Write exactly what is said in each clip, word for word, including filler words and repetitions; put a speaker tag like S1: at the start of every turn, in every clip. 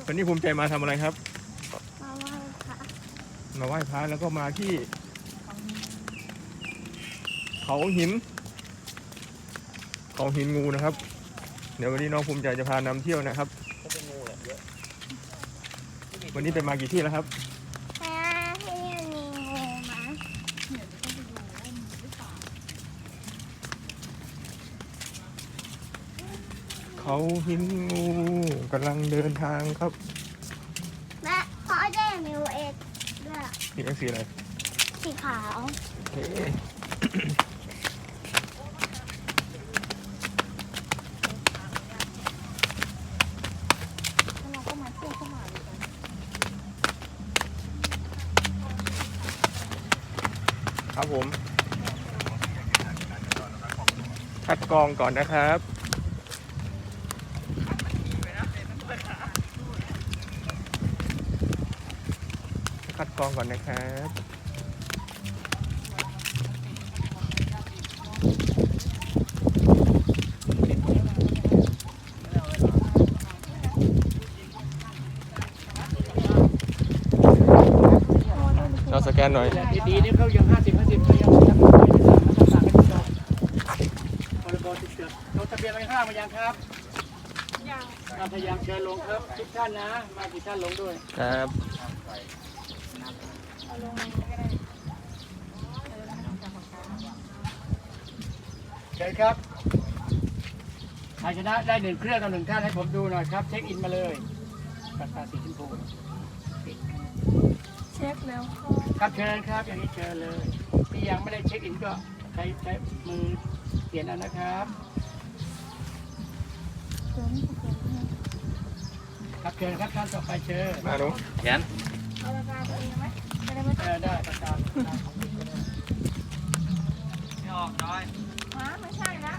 S1: วันนี้ภูมิใจมาทำอะไรครับ
S2: มาไหว้พระ
S1: มาไหว้พระแล้วก็มาที่เขาหินเขาหินงูนะครับเดี๋ยววันนี้น้องภูมิใจจะพานำเที่ยวนะครับวันนี้ไปมากี่ที่แล้วครับ
S2: แม่ที่มีงูมั้ย
S1: เขาหินงูกำลังเดินทางครับ
S2: แม่พ่อได้มิวเอ็กด้วย
S1: นี่ก็สีอะไร
S2: สีขาว
S1: โอเคครับผมคัดกรองก่อนนะครับคัดกรองก่อนนะครับเราสแกนหน่อย
S3: ดีๆนี่เขายังห้าสิบห้าสิบเขายังยังไม่ได้สั่งมาสั่งกันจบพรบติดเชื้อลงทะเบียนไว้ห้ามายังครับยังมาพยายามเชิญลงครับทุกท่านนะมากี่ท่านลงด้วย
S1: ครับ
S3: เชิญครับใครชนะได้หนึ่งเครื่องกับหนึ่งท่านให้ผมดูหน่อยครับเช็คอินมาเลยปากกาสีชมพู
S2: เช็คแล้ว
S3: ครับเชิญครับอย่างนี้เชิญเลยที่ยังไม่ได้เช็คอินก็ใช้ใช้มือเปลี่ยนเอานะครับครับเชิญครับท่านต่อไปเชิญ
S1: มาดู
S3: เขียนเอาปากกาตัวเองไหมไม่ได้ไม่ได้ได้ปากกาของพี่ก็ได้ไม่ออกน้อย
S2: ฮะไม่ใช่ละ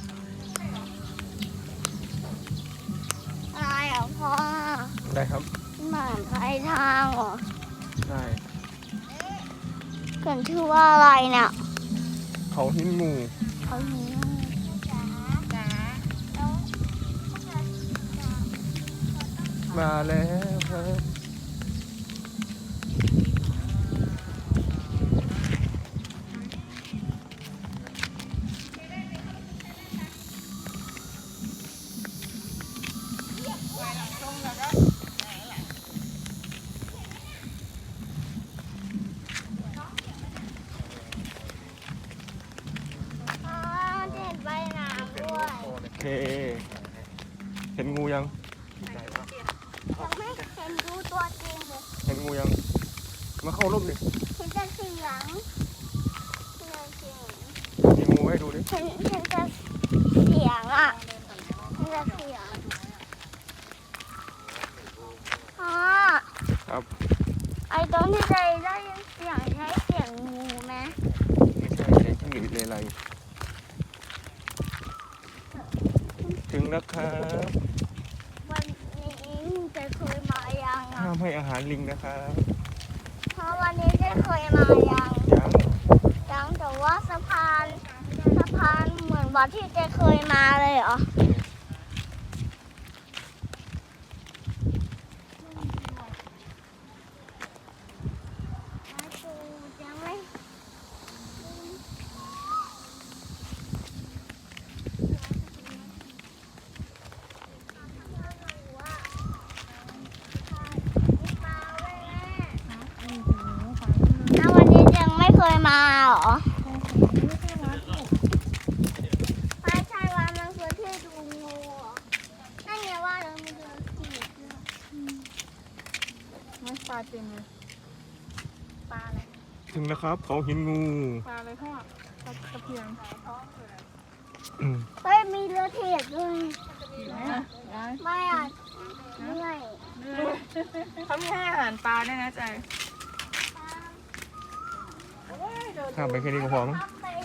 S2: อะไรอ่ะพ่อ
S1: ได้ครับ
S2: หมาปลายทางเหรอ
S1: ได้
S2: เกิดชื่อว่าอะไรเนี่ย
S1: เขาหินงู
S2: เขาหินงูจ๋าจ๋า
S1: มาแล้วครับโอเคเห็นงูยัง
S2: ยังไม่เห็นดูตัวจริงเลย
S1: เห็นงูยังมาเข้าร่มดิ
S2: เห็นแต่เสียง
S1: มีงูให้ดูดิ
S2: เห็นเห็นแต่เสียงอ่ะเห็นแต่เสียงอ๋อ
S1: ครับ
S2: ไอ้ตรงที่ใจได้ยินเสียงใช้เสียงงูไหม
S1: ไม่ใช่ใช้จิ้งหรีดเลไลถึงแล้วครับ
S2: วันนี้จะเคยมายัง
S1: ห้ามให้อาหารลิงนะครับ
S2: เพราะวันนี้จะเคยมายัง
S1: ยัง
S2: ยังแต่ว่าสะพานสะพานเหมือนวัดที่จะเคยมาเลยเหรอยังไม่เคยมาเหรอไม่ใช่ว่ามันคือที่ดูงูนั่นไงว่าเราไม่เดินขี่
S4: ไม่ปลาเต็มเลย
S2: ปลาอะไร
S1: ถึงแล้วครับเขาหินงู
S4: ปลาอะไรพ่อปลาตะเพียง
S2: เฮ้ยมีเรือเทียดด้วยไม่อ่ะเหนื่อย
S4: เขามีให้อาหารปลาด้วยนะใจ
S1: ข้ามไปแค่นี้ก็พอมั้ง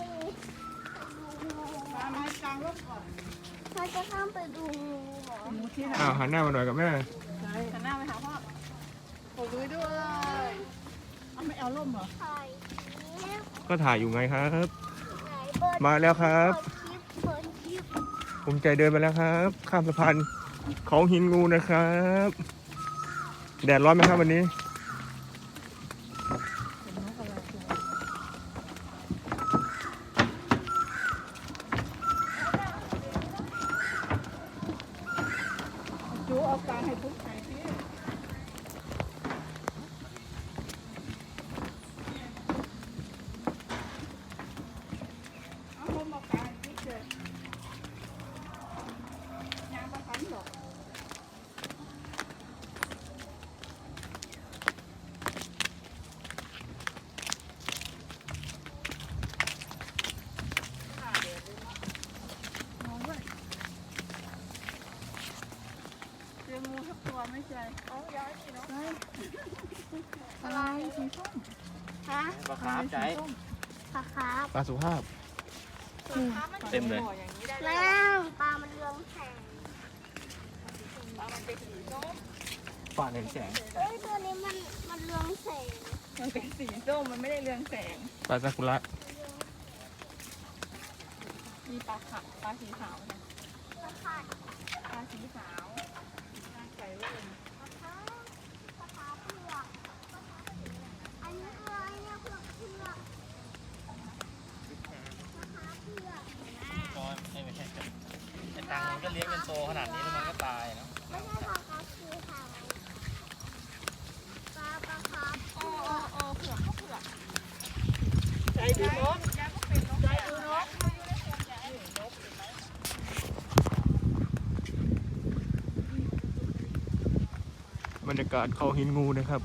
S2: เราจะข้ามไปดูงูเหรอ
S1: อ้าวหันหน้ามาหน่อยกับแม่
S4: หันหน้าไปหาพ่อขอดูด้วยเอาไม่เอาล่มเหรอ
S1: ก็ถ่ายอยู่ไงครับมาแล้วครับภูมิใจเดินไปแล้วครับข้ามสะพานเขาหินงูนะครับแดดร้อนไหมครับวันนี้
S4: จูเอาการให้ทุกไหนพี่เอาลมเอาการให้ทุกเลยยางประทันหรอกมองด้วยเจองูทักตัวไม่ใช่เอาย้ายสิเนาะอะไรสีส้ม
S2: ฮะ
S3: ปลาคาร์ฟใจ
S2: ปลาครับ
S1: ปลาสุภาพ เต็มเลย
S2: แล้วปลามันเรืองแสง
S3: ฝ่าหนึ่งแสง
S2: เฮ้ยตัวนี้มันมันเรืองแสง
S4: มันเป็นสีส้มมันไม่ได้เรืองแสง
S1: ปลาซากุระ
S4: มีปลาขาวปลาสีขาวนะ
S2: ปลาขาด
S4: ปลาสีขาวปลาไก่เว้ย
S2: ปลาขาปลาขาเผือกอันนี้คืออะไรเนี่ยเผือกเผือกปลาขาเผือก
S3: ก็ไม่ใช่ไอ้ตังมันก็เลี้ยงเป็นโตขนาดนี้แล้วมันก็ตายเนาะ
S2: ไม่ใช่ปลาขาคือขาวปลาปลาขาเผื
S4: เอ
S2: อ
S4: อก เออเผือกก็เผือกใจดูนกยายก็เป็นนกใจดูนก
S1: บรรยากาศเขาหินงูนะครับ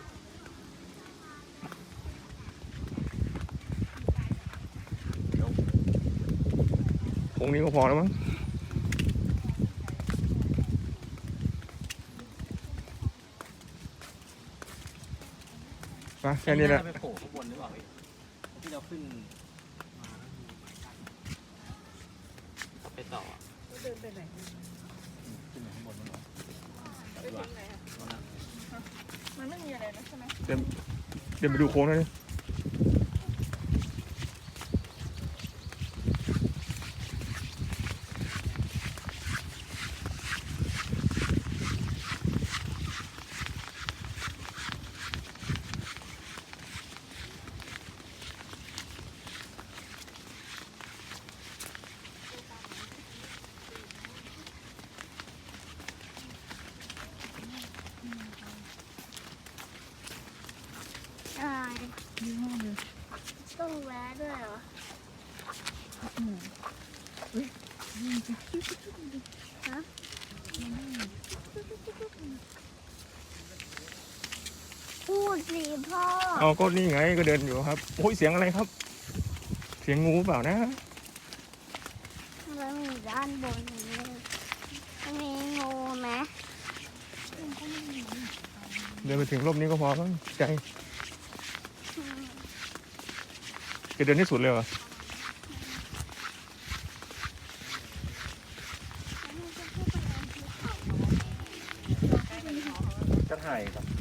S1: คงนี้ก็พอแล้วมั้งมาแค่นี้แหละ
S3: ไปโผล่ข้างบนหรือเปล่าพี่ที่เราขึ้นมาไปต่อ
S4: เดินไปไหน
S3: ขึ้นไปข้างบนมั้งเหรอ
S4: ไปถึงไหนอะมันไม่มีอะไรนะใช่ไหม
S1: เดินเดินไปดูโค้งหน่อยดิ
S2: อะไร
S4: ดีมากเลย
S2: ต้องแวะด้วยเหรอฮะพูดสิพ่อ
S1: เอาก็นี่ไงก็เดินอยู่ครับโอ้ยเสียงอะไรครับ เสียงงูเปล่านะ
S2: แล้วมีด้านบนนี้มันมีงูไหม
S1: เดินไปถึงร่มนี้ก็พอมั้งใจจะเดินที่สุดเลยเหรอ
S3: จะถ่ายครับ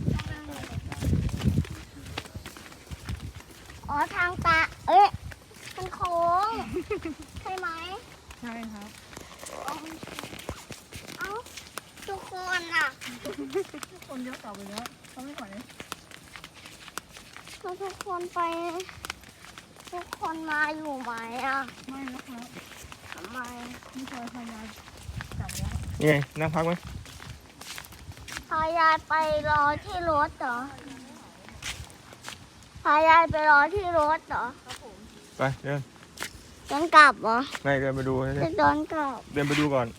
S2: อ๋อทางตาเอ๊ะมันโค้งใช่ไหม
S4: ใช่ครับ
S2: เอ้าทุกคนอ่ะ
S4: คนเยอะต่อไปแล้วเขาไม่ไหว
S2: แล้วทุกคนไป ทุกคนมาอยู่ไหมอ่ะ
S4: ไม่แล้วครับ
S2: ทำไม
S4: นี่พลอยพยายจับแล้ว
S1: นี่ไงนั่งพักไหม
S2: พายายไปรอที่รถเหรอพายายไปรอที่รถเหรอ
S1: ไปเดิน
S2: เดินกลับเหรอ
S1: ไม่เดินไปดูเดิ
S2: จะ
S1: น
S2: เดินกลับ
S1: เดินไปดูก่อน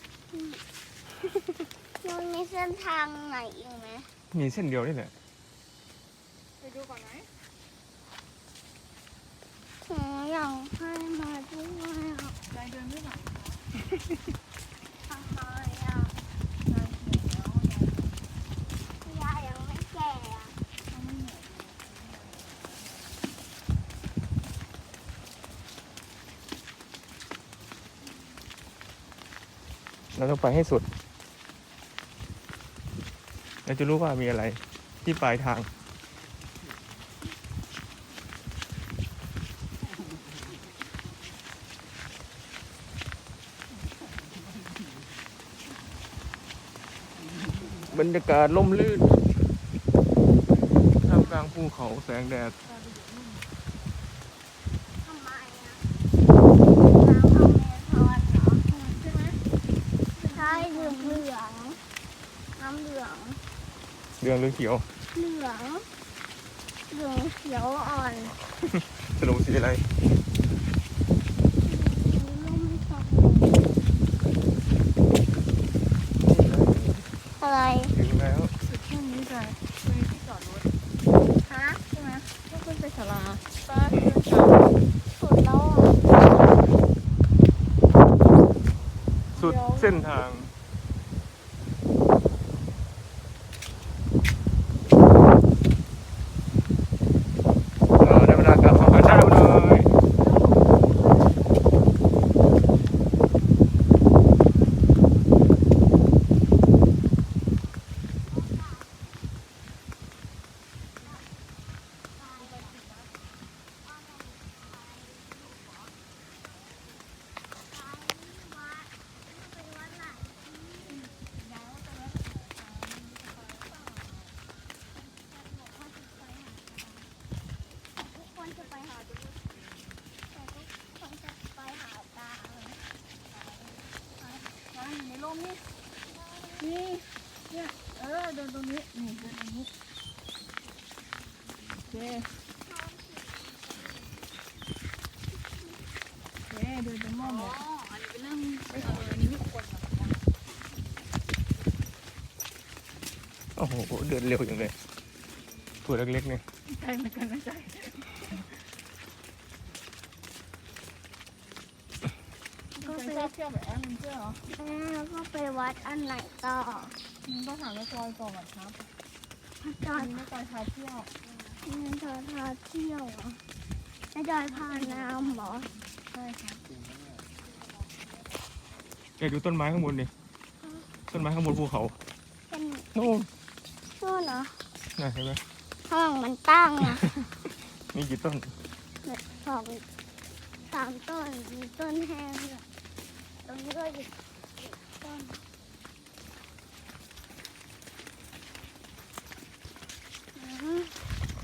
S2: มันมีเส้นทางไหนอีกไหม
S1: มีเส้นเดียวนี่แหละ
S4: ไปดูก่อนไหม
S2: หนูอยากให้มาด้วยอ่ะ
S4: ใจเดินไม่ไหว
S2: ทำไมอ่ะ
S4: ใจเขียวแล้ว
S2: ยายยังไม่แก่อ่ะ
S4: เขาไม่เหนื่อย
S1: เราต้องไปให้สุดเราจะรู้ว่ามีอะไรที่ปลายทาง บรรยากาศล่มลื่นภูเขาแสงแดด
S2: ทำไมอ่ะน้ำอเมซอนเหรอใช่ไหมใช่เหลืองเหลืองน้ำเหลือง
S1: เรืองหรือเขียว
S2: เหลืองเหลืองเขียวอ่อน
S1: สรุปสีอะไร
S2: ร่มสองอะไร
S1: ถึงแล้ว
S4: สุดแค่นี้จ้ะตรงนี้ที่จอดรถ
S2: ฮะ
S4: ใช่ไหมก็ขึ้นไปศาลาป้า
S2: สุดแล้วอ่ะ
S1: สุดเส้นทางเออได้เวลากลับมาหาเจ้าเลย
S2: ทุกคนจะไปหาแต่ทุกคนจะไปหาตา
S4: ร้านอยู่ในร่มนี่นี่เนี่ยเออเดินตรงนี้นี่เดินตรงนี้โอเคโอเคเดินตรงม่อมเลยอันนี้เป็นเรื่องไปเอาอันนี้ไม่ควร
S1: โอ้โหเดินเร็วอย่างเลยตัวเล็กๆเนี่ย
S4: ใจเหมือนกันนะใจก็ไปเที่ยวแบบแอมเที่ยวเหรอ
S2: แล้วก็ไปวัดอันไหนต่อ
S4: มึงต้องถามแม่จอยก่อนครับ
S2: พระจอ
S4: อั
S2: ย
S4: นนี้แม่จอยพาเที่ยว
S2: แม่จอยพาเที่ยวเหรอแม่จอยพาน้ำเหรอ
S4: ใช่ครับ
S1: เดี๋ยวดูต้นไม้ข้างบนดิต้นไม้ข้างบนภูเขา
S2: เป็น
S1: โน่น
S2: นู่นเหรอ
S1: น่ะเห็นไหม
S2: ข้างหลังมันตั้งอ่ะ
S1: มีกี่ต้น
S2: สองสามต้นมีต้นแห้งด้วยตรงนี้ก็อีกต้นอืม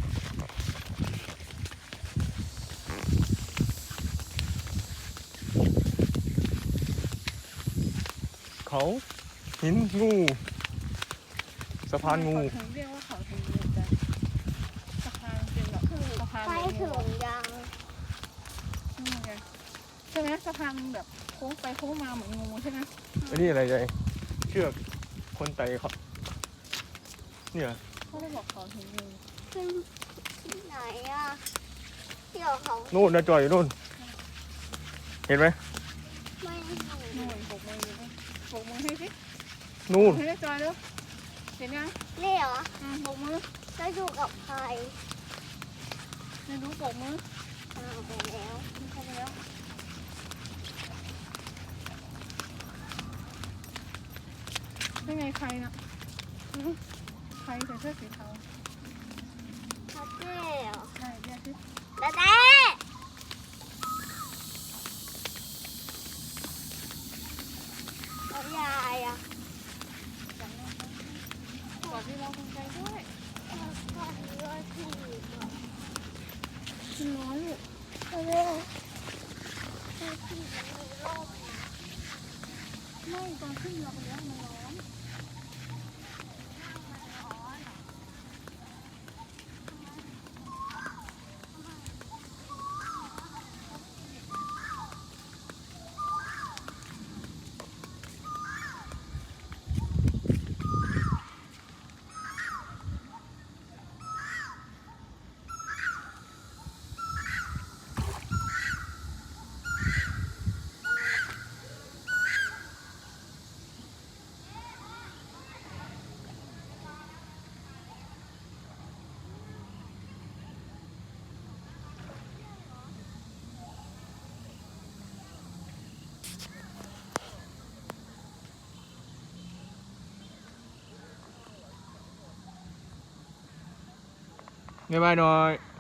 S1: เขาหินงูสะพานงู
S4: ถึงเรียกว่าเขาถึงงูจ้ะสะพานเป็นแบบสะพาน
S2: ไป
S4: เป็น
S2: ถึ
S4: งู
S2: งยัง
S4: นี่ไงใช่ไหมสะพานแบบโค้งไปโค้งมาเหมือนงูใช่ไหม
S1: อันนี้อะไรใจเชือกคนไต่เขาเนี่ย
S4: เขาเลยบอกเขาถึงงู
S2: ขึ้นที่ไหนอ่ะเที่ยวเขา
S1: โน่นนะจอยอยู่โน่นเห็นไหม
S2: ไม่เห็น
S4: หน่วยปกมืออยู่ด้วยปกมือให้สิ
S1: นู่น
S4: ให้ได้จอยเร็วเห็นยัง
S2: นี่เหรอ
S4: อืมปกมือ
S2: แล้วอยู่กับใคร
S4: ไม่รู้ปกมือ
S2: อ้าวไปแล้ว
S4: มันเข้าไปแล้วเป็นไงใครน่ะหือใครใส่เสื้อสีเทา
S2: พัดเจ้เหรอ
S4: ใช่เรียกสิ
S2: ดาเด้แล้วยายอ่ะ
S4: กอดที่เราคนใจด้วย
S2: ก่อนเรือที่
S4: มันร้อนลูก
S2: เรือที่ที่มีร่ม
S4: ไม่ตอนขึ้นเราไปแล้วมันร้อน
S1: บ๊ายบายหน่อย